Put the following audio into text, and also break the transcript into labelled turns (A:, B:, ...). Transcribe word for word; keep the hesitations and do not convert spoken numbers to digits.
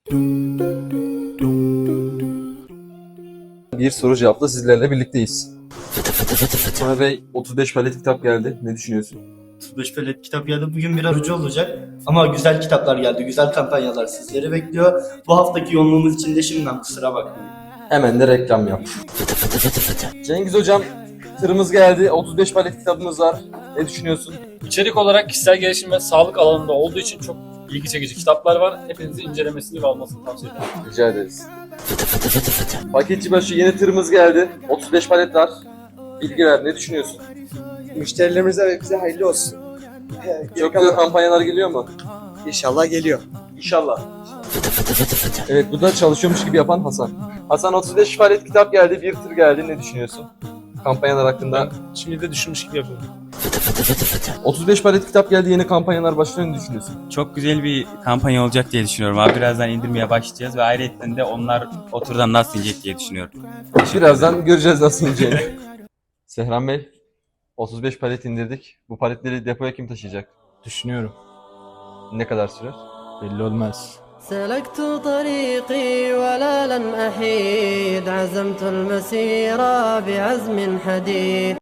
A: Bir soru cevapla sizlerle birlikteyiz. Sonra Bey, otuz beş palet kitap geldi. Ne düşünüyorsun?
B: otuz beş palet kitap geldi. Bugün biraz ucu olacak. Ama güzel kitaplar geldi. Güzel kampanyalar sizleri bekliyor. Bu haftaki yoğunluğumuz için de şimdiden kusura bakmayın.
A: Hemen de reklam yap. Cengiz Hocam, tırımız geldi. otuz beş palet kitabımız var. Ne düşünüyorsun?
C: İçerik olarak kişisel gelişim ve sağlık alanında olduğu için çok ilgi çekici kitaplar var. Hepinizi incelemesini ve almasını tavsiye ederim.
A: Rica ederiz. Paketçi başı yeni tırımız geldi. otuz beş palet var. Bilgi ver. Ne düşünüyorsun?
D: Müşterilerimize ve bize hayırlı olsun.
A: Çok güzel kampanyalar geliyor mu?
D: İnşallah geliyor.
A: İnşallah. Evet, bu da çalışıyormuş gibi yapan Hasan. Hasan, otuz beş palet kitap geldi, bir tır geldi. Ne düşünüyorsun? Kampanyalar hakkında.
C: Şimdi de düşünmüş gibi yapıyorum.
A: otuz beş palet kitap geldi, yeni kampanyalar başlıyor. Ne düşünüyorsun?
E: Çok güzel bir kampanya olacak diye düşünüyorum abi. Birazdan indirmeye başlayacağız ve ayrıca de onlar o turdan nasıl inecek diye düşünüyorum.
A: Birazdan göreceğiz nasıl ineceğini. Sehran Bey, otuz beş palet indirdik. Bu paletleri depoya kim taşıyacak?
F: Düşünüyorum.
A: Ne kadar sürer?
F: Belli olmaz.
G: سلكت طريقي ولا لن أحيد عزمت المسير بعزم حديد